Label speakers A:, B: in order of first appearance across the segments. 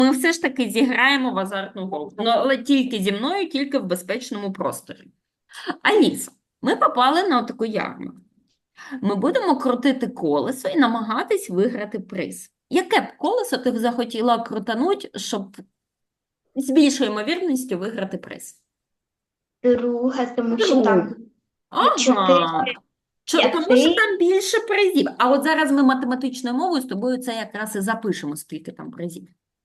A: Ми все ж таки зіграємо в азартну гру. Ну, але тільки зі мною, тільки в безпечному просторі. Аліса, ми попали на таку ярмарку. Ми будемо крутити колесо і намагатись виграти приз. Яке б колесо ти б захотіла крутануть, щоб з більшою ймовірністю виграти приз?
B: Друга, тому що
A: Друге.
B: там є
A: Ага.
B: 4,
A: Тому що
B: 5.
A: там більше призів. А от зараз ми математичною мовою з тобою це якраз і запишемо, скільки там призів.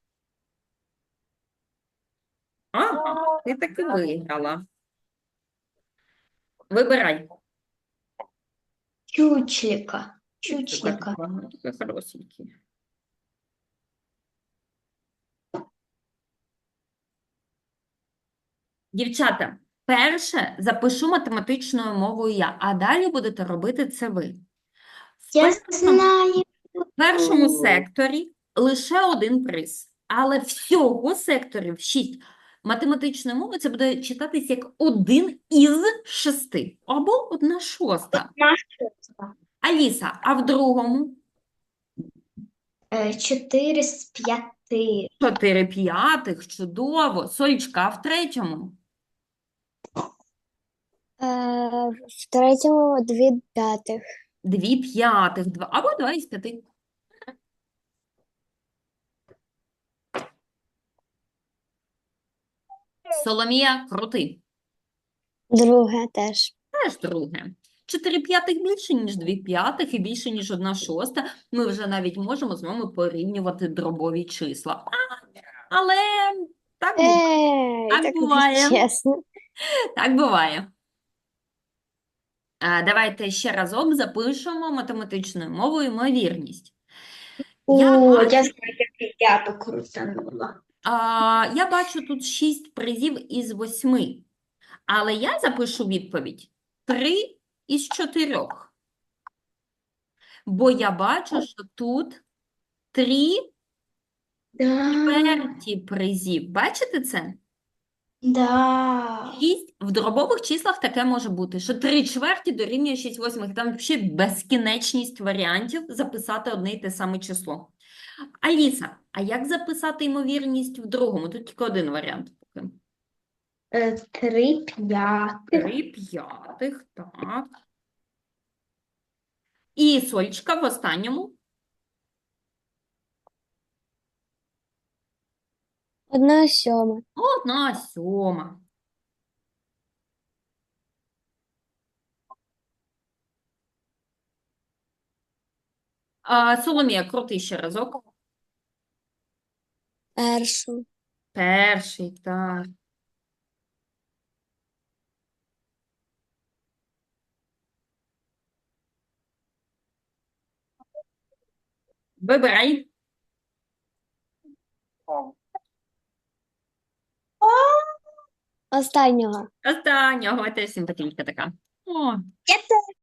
A: Ага, ти таки виграла. Вибирай.
B: Чучлика.
A: Така
B: Чучлика.
A: така хорошенькі. Дівчата, перше запишу математичною мовою я, а далі будете робити це ви. В
B: Я
A: першому,
B: знаю.
A: в першому секторі лише один приз, але всього секторів 6. Математичною мовою це буде читатись як 1 із 6 або 1/6.
B: Наша.
A: Аліса, а в другому
B: 4 з 5.
A: 4/5, чудово. Солічка, а в третьому
C: В третьому 2/5.
A: 2/5, або 2 із 5. Соломія, крути.
C: Друге теж.
A: Теж друге. 4/5 більше, ніж 2/5 і більше, ніж 1/6. Ми вже навіть можемо з вами порівнювати дробові числа. Але так буває. Так
C: Так не
A: буває.
C: чесно.
A: Так буває. Давайте ще разом запишемо математичною мовою ймовірність. Я
B: О, я
A: бачу,
B: знаю, як я то крутанула.
A: я бачу тут 6 призів із 8. Але я запишу відповідь 3 із 4. Бо я бачу, що тут 3
B: Да,
A: чверті призів. Бачите це?
B: да.
A: 6 в дробових числах таке може бути, що 3 чверті дорівнює 6/8. Там взагалі безкінечність варіантів записати одне й те саме число. Аліса, а як записати ймовірність в другому? Тут тільки один варіант поки.
B: 3/5.
A: 3/5, так. І Сольчика в останньому.
C: 1/7.
A: 1/7. Соломія, крути ще разок.
C: Першу.
A: Перший, так. Вибирай.
C: Останнього.
A: Останнього, теж симпатичка така. О,
B: Я